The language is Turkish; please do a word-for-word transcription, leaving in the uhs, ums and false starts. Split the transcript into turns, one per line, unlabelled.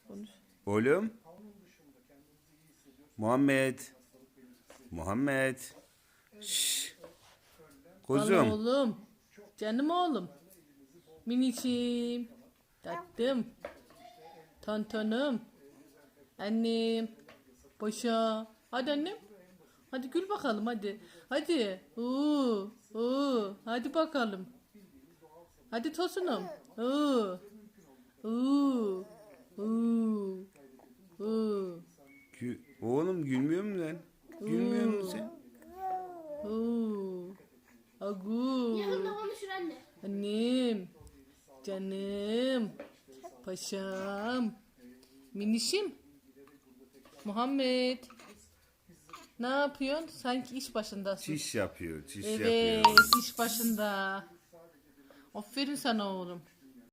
Konuş.
Oğlum. Muhammed. Muhammed. Şşş.
Al
Kuzum.
oğlum. Canım oğlum. Minicim. Tatlım. Tontonum. Annem. Paşa. Hadi annem. Hadi gül bakalım hadi. Hadi. Oo, oo. Hadi bakalım. Hadi tosunum. Oo. Oo. Oo. Oo.
Gü- Oğlum gülmüyor musun lan? Gülmüyor musun sen?
Oo. Agu.
Yakında konuşur anne.
Annem. Canım. Paşam. Minişim. Muhammed. Ne yapıyorsun? Sanki iş başındasın.
Çiş yapıyor, çiş
Evet,
yapıyor.
iş başında. Aferin sana oğlum.